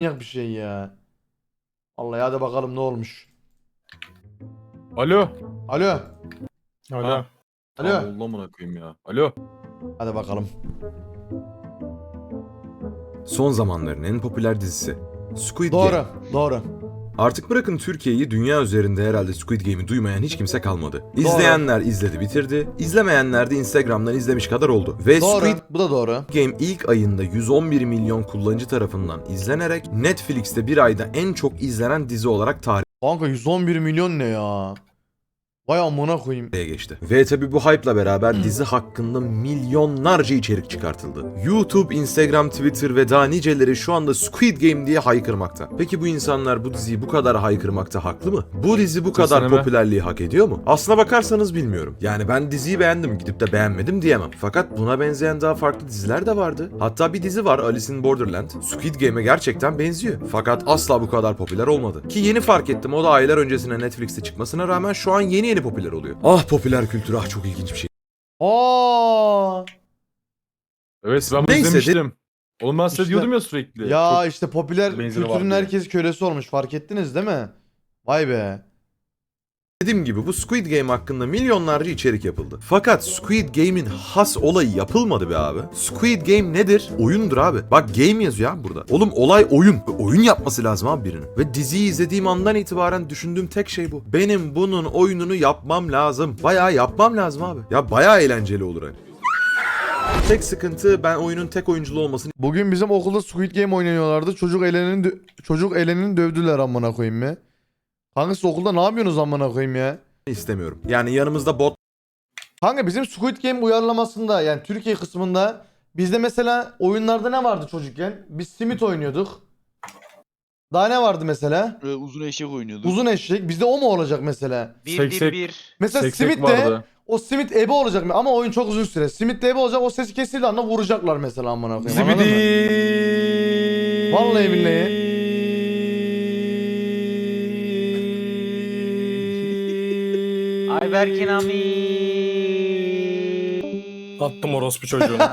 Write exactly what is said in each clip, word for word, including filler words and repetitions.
Manyak bir şey ya. Vallahi hadi bakalım ne olmuş. Alo. Alo. Alo. Alo. Tamam oldu amına koyayım ya. Alo. Hadi bakalım. Son zamanların en popüler dizisi Squid Doğru. Game. Doğru. Artık bırakın Türkiye'yi, dünya üzerinde herhalde Squid Game'i duymayan hiç kimse kalmadı. İzleyenler izledi bitirdi, izlemeyenler de Instagram'dan izlemiş kadar oldu. Ve Doğru. Squid Bu da doğru. Game ilk ayında yüz on bir milyon kullanıcı tarafından izlenerek Netflix'te bir ayda en çok izlenen dizi olarak tarihe Kanka yüz on bir milyon ne ya? Vay amına koyayım. geçti. Ve tabi bu hype'la beraber dizi hakkında milyonlarca içerik çıkartıldı. YouTube, Instagram, Twitter ve daha niceleri şu anda Squid Game diye haykırmakta. Peki bu insanlar bu diziyi bu kadar haykırmakta haklı mı? Bu dizi bu kadar Kesinlikle. popülerliği hak ediyor mu? Aslına bakarsanız bilmiyorum. Yani ben diziyi beğendim, gidip de beğenmedim diyemem. Fakat buna benzeyen daha farklı diziler de vardı. Hatta bir dizi var, Alice in Borderland. Squid Game'e gerçekten benziyor. Fakat asla bu kadar popüler olmadı. Ki yeni fark ettim, o da aylar öncesine Netflix'te çıkmasına rağmen şu an yeni yeni popüler oluyor. Ah popüler kültür, ah çok ilginç bir şey. Aa! Evet ben bunu Neyse, izlemiştim. Oğlum ben size İşte- diyordum ya sürekli. Ya Çok işte popüler benzeri var kültürün diye. herkes kölesi olmuş. Fark ettiniz değil mi? Vay be. Dediğim gibi bu Squid Game hakkında milyonlarca içerik yapıldı. Fakat Squid Game'in has olayı yapılmadı be abi. Squid Game nedir? Oyundur abi. Bak game yazıyor abi burada. Oğlum olay oyun. Oyun yapması lazım abi birinin. Ve diziyi izlediğim andan itibaren düşündüğüm tek şey bu. Benim bunun oyununu yapmam lazım. Bayağı yapmam lazım abi. Ya bayağı eğlenceli olur hani. Tek sıkıntı ben oyunun tek oyunculu olmasını Bugün bizim okulda Squid Game oynanıyorlardı. Çocuk elenini dö- çocuk elenini dövdüler amına koyayım ya. Kanka siz okulda ne yapıyorsunuz amına koyayım ya? istemiyorum. Yani yanımızda bot Kanka bizim Squid Game uyarlamasında yani Türkiye kısmında bizde mesela oyunlarda ne vardı çocukken? Biz simit oynuyorduk. Daha ne vardı mesela? Ee, uzun eşek oynuyorduk. Uzun eşek. Bizde o mu olacak mesela? Bir Seksek- bir bir. Mesela seksek simit de vardı. o simit ebe olacak mı? Ama oyun çok uzun süre. Simit de ebe olacak. O sesi kesildiği anda vuracaklar mesela amına koyayım. Anladın mı? Zibidi. Vallahi billahi. Ayberkin ami. Attım orospu çocuğunu.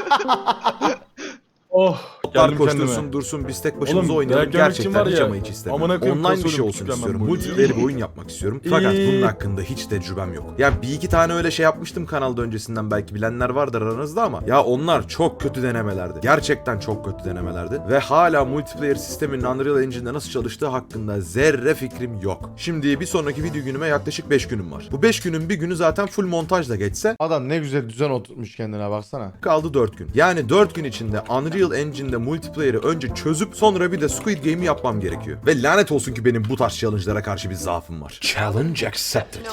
oh. Botlar Geldim koştursun kendime. dursun biz tek başımıza Oğlum, oynayalım. dayak yemek için Gerçekten var hiç ya, ama hiç istemiyorum. amına koyayım, Online bir kasıyorum, şey olsun küçükken ben istiyorum. bu oyunu. Multiplayer bir oyun yapmak istiyorum. Fakat İyi. bunun hakkında hiç tecrübem yok. Ya bir iki tane öyle şey yapmıştım kanalda öncesinden, belki bilenler vardır aranızda ama ya onlar çok kötü denemelerdi. Gerçekten çok kötü denemelerdi. Ve hala multiplayer sisteminin Unreal Engine'de nasıl çalıştığı hakkında zerre fikrim yok. Şimdi bir sonraki video günüme yaklaşık beş günüm var. Bu beş günün bir günü zaten full montajla geçse Adam ne güzel düzen oturtmuş kendine baksana. kaldı dört gün. Yani dört gün içinde Unreal Engine'de multiplayer'ı önce çözüp sonra bir de Squid Game'i yapmam gerekiyor. Ve lanet olsun ki benim bu tarz challenge'lara karşı bir zaafım var. Challenge accepted.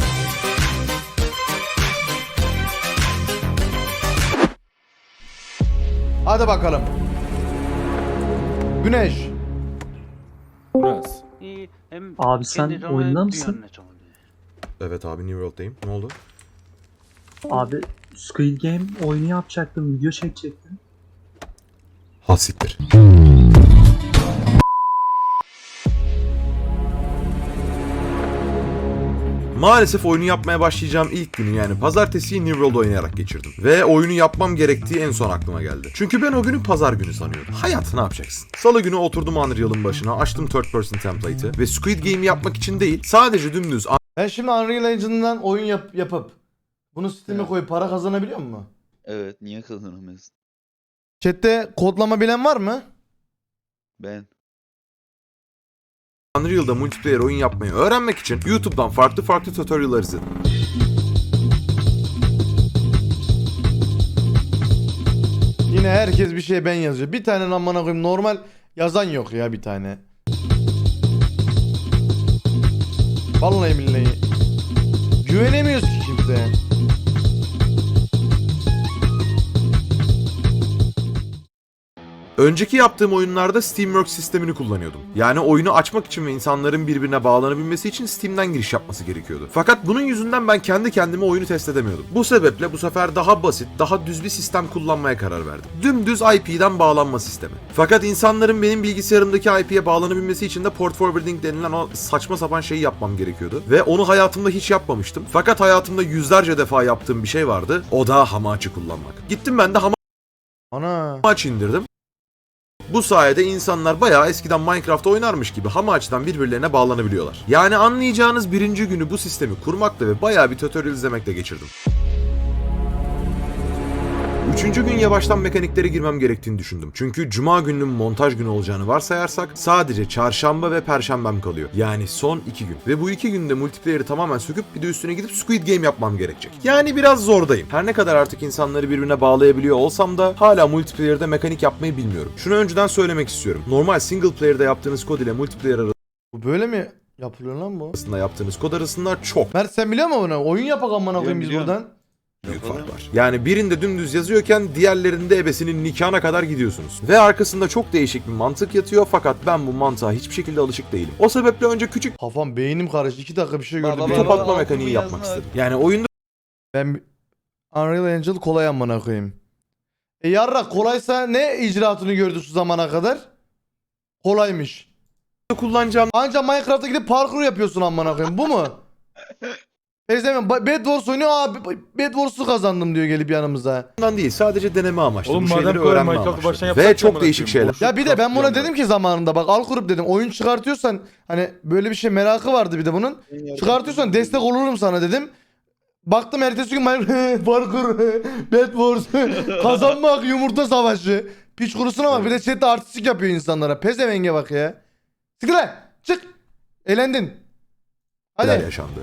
Hadi bakalım. Güneş. Biraz. İyi, hem Abi sen kendi canı oyunda dünyanın mısın? ne canı diyor. Evet abi New World'dayım. Ne oldu? Abi Squid Game oyunu yapacaktım, video çekecektim. Ha siktir. Maalesef oyunu yapmaya başlayacağım ilk günü, yani pazartesiyi New World oynayarak geçirdim. Ve oyunu yapmam gerektiği en son aklıma geldi. Çünkü ben o günü pazar günü sanıyordum. Hayat ne yapacaksın? Salı günü oturdum Unreal'ın başına, açtım third person template'ı ve Squid Game'i yapmak için değil, sadece dümdüz Ben şimdi Unreal Engine'dan oyun yap yapıp bunu Steam'e Evet. koyup para kazanabiliyor mu? Evet, niye kazanamıyorsun? Chat'te kodlama bilen var mı? Ben. Unreal'da multiplayer oyun yapmayı öğrenmek için YouTube'dan farklı farklı tutorial'lar izledim. Yine herkes bir şey ben yazıyor. Bir tane lan bana koyayım normal yazan yok ya bir tane. Vallahi billahi. Güvenemiyoruz ki kimseye. Önceki yaptığım oyunlarda Steamworks sistemini kullanıyordum. Yani oyunu açmak için ve insanların birbirine bağlanabilmesi için Steam'den giriş yapması gerekiyordu. Fakat bunun yüzünden ben kendi kendime oyunu test edemiyordum. Bu sebeple bu sefer daha basit, daha düz bir sistem kullanmaya karar verdim. Dümdüz I P'den bağlanma sistemi. Fakat insanların benim bilgisayarımdaki I P'ye bağlanabilmesi için de port forwarding denilen o saçma sapan şeyi yapmam gerekiyordu. Ve onu hayatımda hiç yapmamıştım. Fakat hayatımda yüzlerce defa yaptığım bir şey vardı. O da Hamachi kullanmak. Gittim ben de Ana. Hamachi indirdim. Bu sayede insanlar bayağı eskiden Minecraft oynarmış gibi hama açıdan birbirlerine bağlanabiliyorlar. Yani anlayacağınız birinci günü bu sistemi kurmakla ve bayağı bir tutorial izlemekle geçirdim. Üçüncü gün yavaştan mekaniklere girmem gerektiğini düşündüm. Çünkü cuma gününün montaj günü olacağını varsayarsak sadece çarşamba ve perşembem kalıyor. Yani son iki gün. Ve bu iki günde multiplayer'ı tamamen söküp bir de üstüne gidip Squid Game yapmam gerekecek. Yani biraz zordayım. Her ne kadar artık insanları birbirine bağlayabiliyor olsam da hala multiplayer'da mekanik yapmayı bilmiyorum. Şunu önceden söylemek istiyorum. Normal single player'da yaptığınız kod ile multiplayer Bu böyle mi yapılıyor lan bu? arasında yaptığınız kod arasında çok Mert sen biliyor musun bunu? Oyun yapak amına koyayım biz Biliyorum, buradan. büyük Yapalım. fark var. Yani birinde dümdüz yazıyorken diğerlerinde ebesinin nikahına kadar gidiyorsunuz. Ve arkasında çok değişik bir mantık yatıyor fakat ben bu mantığa hiçbir şekilde alışık değilim. O sebeple önce küçük Kafam beynim karıştı. iki dakika bir şey Baba, gördüm. bir baba, top Benim- atma baba, mekaniği bunu yapmak yazma. istedim. Yani oyunda Ben Unreal Engine kolay amına koyayım. E yarra kolaysa ne icraatını gördü şu zamana kadar? Kolaymış. kullanacağım Anca Minecraft'a gidip parkur yapıyorsun amına koyayım. Bu mu? Ezemem. Bed Wars oynuyor. Abi Bed Wars'u kazandım diyor gelip yanımıza. Bundan değil, sadece deneme amaçlı. Oğlum bu madem şeyleri kolay öğrenme Minecraft'ı amaçlı. baştan yapsak Ve ya çok amına değişik koyayım. şeyler. Ya bir de ben buna Craft dedim ki zamanında bak al kurup dedim. Oyun çıkartıyorsan hani böyle bir şey merakı vardı bir de bunun. Çıkartıyorsan destek olurum sana dedim. Baktım ertesi gün Minecraft parkur, Bed Wars, kazanmak, yumurta savaşı. Piç kurusuna bak bir de chatte artistik yapıyor insanlara. Pezevenge bak ya. Sıkı lan çık. Elendin. Neler Hadi yaşandı.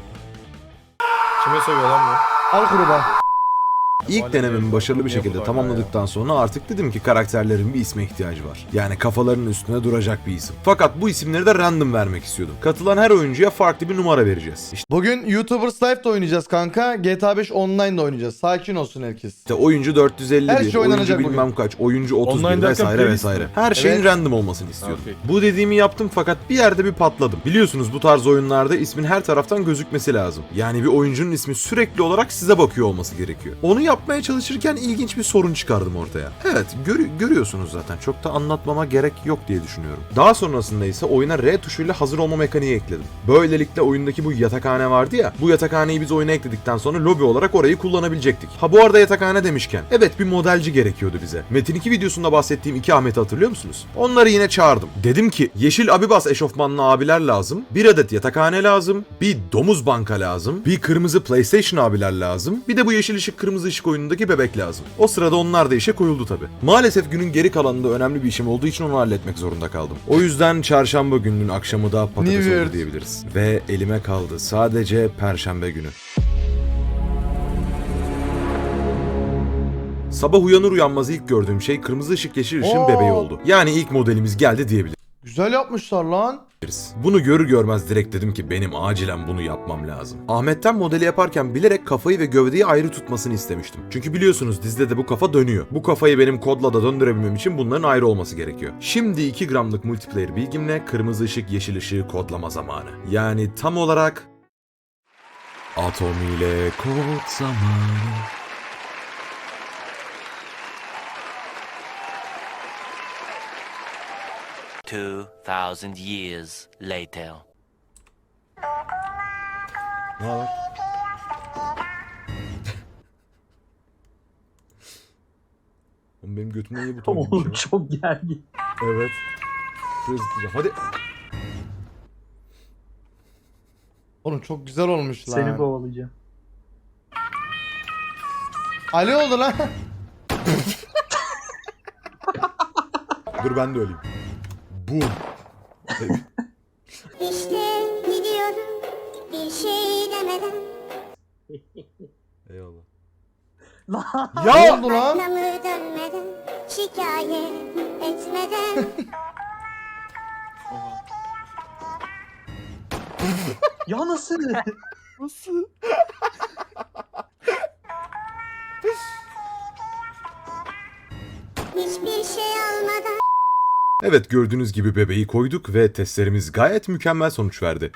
Kime söylüyor lan bu? al kuruba. İlk denememi başarılı bir şekilde tamamladıktan sonra artık dedim ki karakterlerin bir isme ihtiyacı var. Yani kafalarının üstüne duracak bir isim. Fakat bu isimleri de random vermek istiyordum. Katılan her oyuncuya farklı bir numara vereceğiz. Bugün YouTubers Live'da oynayacağız kanka. G T A beş Online'da oynayacağız. Sakin olsun herkes. İşte oyuncu dört yüz elli bir, Her şey oynanacak oyuncu bilmem kaç, oyuncu otuz bir Online derken vesaire playlist vesaire. mi? Her şeyin Evet. random olmasını istiyordum. Ha, Bu dediğimi yaptım fakat bir yerde bir patladım. Biliyorsunuz bu tarz oyunlarda ismin her taraftan gözükmesi lazım. Yani bir oyuncunun ismi sürekli olarak size bakıyor olması gerekiyor. Onu yapmaya çalışırken ilginç bir sorun çıkardım ortaya. Evet, görü- görüyorsunuz zaten. Çok da anlatmama gerek yok diye düşünüyorum. Daha sonrasında ise oyuna R tuşuyla hazır olma mekaniği ekledim. Böylelikle oyundaki bu yatakhane vardı ya, bu yatakhaneyi biz oyuna ekledikten sonra lobi olarak orayı kullanabilecektik. Ha bu arada yatakhane demişken, evet bir modelci gerekiyordu bize. Metin iki videosunda bahsettiğim iki Ahmet'i hatırlıyor musunuz? Onları yine çağırdım. Dedim ki, yeşil Abibas eşofmanlı abiler lazım, bir adet yatakhane lazım, bir domuz banka lazım, bir kırmızı PlayStation abiler lazım, bir de bu yeşil ışık kırmızı ışık oyunundaki bebek lazım. O sırada onlar da işe koyuldu tabi. Maalesef günün geri kalanında önemli bir işim olduğu için onu halletmek zorunda kaldım. O yüzden çarşamba gününün akşamı da patates New oldu Year. diyebiliriz. Ve elime kaldı sadece perşembe günü. Sabah uyanır uyanmaz ilk gördüğüm şey kırmızı ışık yeşil ışığın Oo. bebeği oldu. Yani ilk modelimiz geldi diyebiliriz. Güzel yapmışlar lan. Bunu görür görmez direkt dedim ki benim acilen bunu yapmam lazım. Ahmet'ten modeli yaparken bilerek kafayı ve gövdeyi ayrı tutmasını istemiştim. Çünkü biliyorsunuz dizide de bu kafa dönüyor. Bu kafayı benim kodla da döndürebilmem için bunların ayrı olması gerekiyor. Şimdi iki gramlık multiplayer bilgimle kırmızı ışık yeşil ışığı kodlama zamanı. Yani tam olarak Atom ile kod zamanı. Two thousand years later. Ne haber? Oğlum benim götümde niye buton gibi bir Oğlum şey var? çok gergin. Evet. Şuraya zıplayacağım. Hadi. Oğlum çok güzel olmuş lan. Seni kovalayacağım. Ali oldu lan. Dur ben de öleyim. Boom. İşte gidiyorum bir şey demeden. Eyvallah. Lan Ne Ya! oldu lan? Arkamı dönmeden, şikayet etmeden. ya nasıl? Hiçbir şey almadan. Evet gördüğünüz gibi bebeği koyduk ve testlerimiz gayet mükemmel sonuç verdi.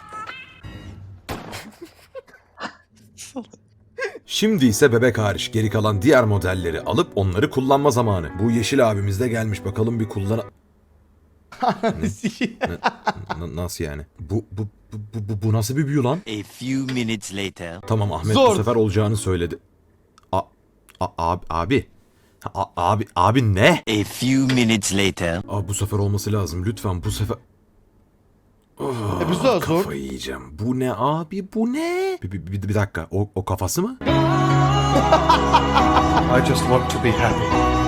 Şimdi ise bebek hariç geri kalan diğer modelleri alıp onları kullanma zamanı. Bu yeşil abimiz de gelmiş bakalım bir kullan... N- nasıl yani? Bu, bu, bu, bu, bu nasıl bir büyü lan? A few minutes later. Tamam Ahmet Zor. bu sefer olacağını söyledi. A, a- abi, abi. A- abi abi ne? A few minutes later. Abi bu sefer olması lazım lütfen bu sefer. Oh, E, bu sefer sor. kafayı yiyeceğim. Bu ne abi bu ne? Bir, bir, bir, bir dakika o, o kafası mı? I just want to be happy.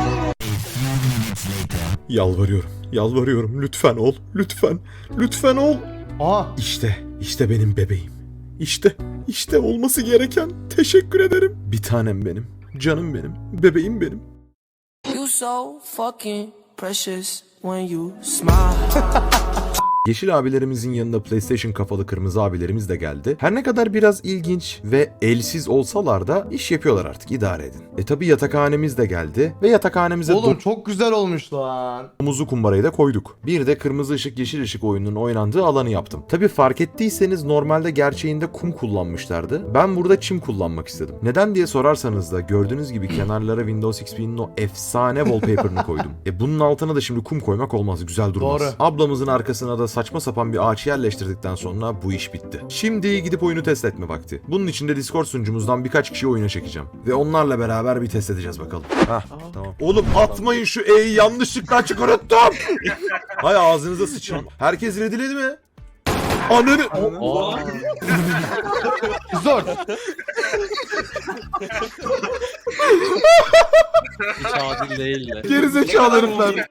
Yalvarıyorum yalvarıyorum lütfen ol lütfen lütfen ol. Aha. İşte işte benim bebeğim. İşte işte olması gereken. Teşekkür ederim. Bir tanem benim. Canım benim. Bebeğim benim. You so fucking precious when you smile. Yeşil abilerimizin yanında PlayStation kafalı kırmızı abilerimiz de geldi. Her ne kadar biraz ilginç ve elsiz olsalar da iş yapıyorlar artık, idare edin. E tabi yatakhanemiz de geldi ve yatakhanemize Oğlum çok güzel olmuş lan. domuzlu kumbarayı da koyduk. Bir de kırmızı ışık yeşil ışık oyununun oynandığı alanı yaptım. Tabi fark ettiyseniz normalde gerçeğinde kum kullanmışlardı. Ben burada çim kullanmak istedim. Neden diye sorarsanız da gördüğünüz gibi kenarlara Windows X P'nin o efsane wallpaper'ını koydum. E bunun altına da şimdi kum koymak olmaz, güzel durmaz. Doğru. Ablamızın arkasına da saçma sapan bir ağaç yerleştirdikten sonra bu iş bitti. Şimdi gidip oyunu test etme vakti. Bunun için de Discord sunucumuzdan birkaç kişi oyuna çekeceğim. Ve onlarla beraber bir test edeceğiz bakalım. Hah tamam. Oğlum atmayın şu E'yi, yanlışlıkla açık unuttum. Hay ağzınıza sıçayım. Herkes readyledi mi? Ananı... Zor. Hiç adil değil de. Gerizekalı herifler.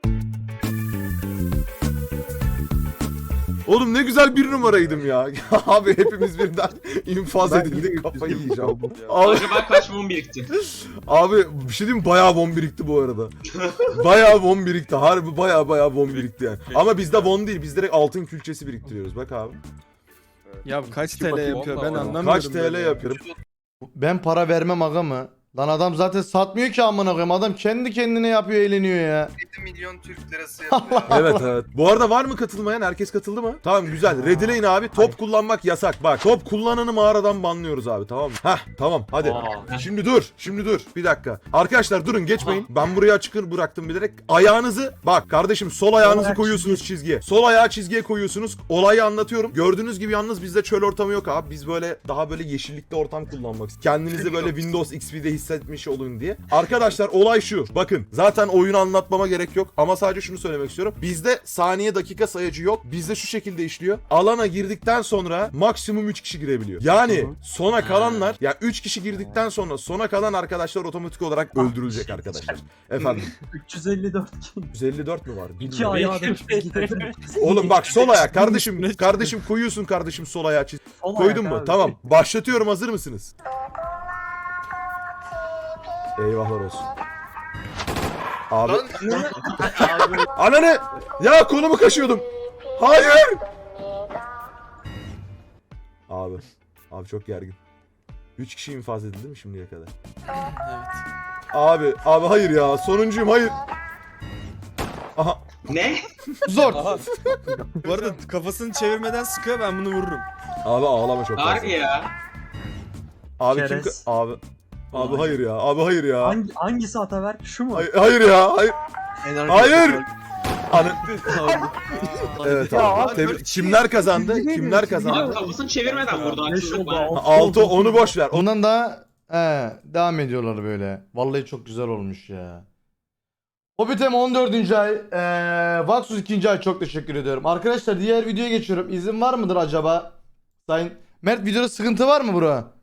Oğlum ne güzel bir numaraydım ya. Abi hepimiz birden infaz edildik, kafayı yiyeceğim. Abi, Acaba kaç mum birikti? abi bir şey diyeyim mi? Bayağı bon birikti bu arada. Bayağı bon birikti. Harbi bayağı bayağı bon birikti yani. Ama bizde bon değil. Biz direkt altın külçesi biriktiriyoruz. Bak abi. Ya kaç T L yapıyor ben anlamıyorum. Kaç T L yapıyorum? Ben para vermem aga mı? Lan adam zaten satmıyor ki amına koyayım. Adam kendi kendine yapıyor, eğleniyor ya. yedi milyon Türk lirası Evet evet. Bu arada var mı katılmayan? Herkes katıldı mı? Tamam güzel. Redileyin abi. Top kullanmak yasak. Bak top kullananı mağaradan banlıyoruz abi, tamam mı? Hah tamam hadi. Şimdi dur. Şimdi dur. Bir dakika. Arkadaşlar durun, geçmeyin. Ben buraya açık bıraktım bilerek. Ayağınızı bak kardeşim, sol ayağınızı ayak koyuyorsunuz çizgiye. Sol ayağı çizgiye koyuyorsunuz. Olayı anlatıyorum. Gördüğünüz gibi yalnız bizde çöl ortamı yok abi. Biz böyle daha böyle yeşillikli ortam kullanmak istiyoruz. Kendinizi böyle Windows X P'de hissetmiş olun diye. Arkadaşlar olay şu. Bakın zaten oyunu anlatmama gerek yok ama sadece şunu söylemek istiyorum. Bizde saniye dakika sayacı yok. Bizde şu şekilde işliyor. Alana girdikten sonra maksimum üç kişi girebiliyor. Yani sona kalanlar, ya üç kişi girdikten sonra sona kalan arkadaşlar otomatik olarak öldürülecek arkadaşlar. Efendim. üç yüz elli dört yüz elli dört mü var? İki Bilmiyorum. ayağı da Oğlum bak sol ayak kardeşim. Kardeşim koyuyorsun kardeşim sol ayağı çiz. Koydun mu? Tamam. Başlatıyorum. Hazır mısınız? Eyvahlar olsun. Abi. Ananı! Ya kolumu kaşıyordum. Hayır! Abi. Abi çok gergin. Üç kişi infaz edildi mi şimdiye kadar? Evet. Abi, abi hayır ya. Sonuncuyum, hayır. Aha. Ne? Zor. Bu arada kafasını çevirmeden sıkıyor, ben bunu vururum. Abi ağlama çok fazla. Harbi ya. Abi kim... Çerez. Abi. Abi hayır ya. Abi hayır ya. Hangi, hangisi Ataberk? Şu mu? Hayır, hayır ya. Hayır. Hayır. Anı... Evet abi. Tebrik- Kimler kazandı? Kimler Abi kazandı? kafasını çevirmeden vurdu. Beş Haksızlık oldu. var. altı Altı oldu. onu boş ver. Ondan da he, devam ediyorlar böyle. Vallahi çok güzel olmuş ya. Hobbitem on dördüncü ay, ee, Vaxus ikinci ay, çok teşekkür ediyorum. Arkadaşlar diğer videoya geçiyorum. İzin var mıdır acaba? Sayın Mert, videoda sıkıntı var mı bro?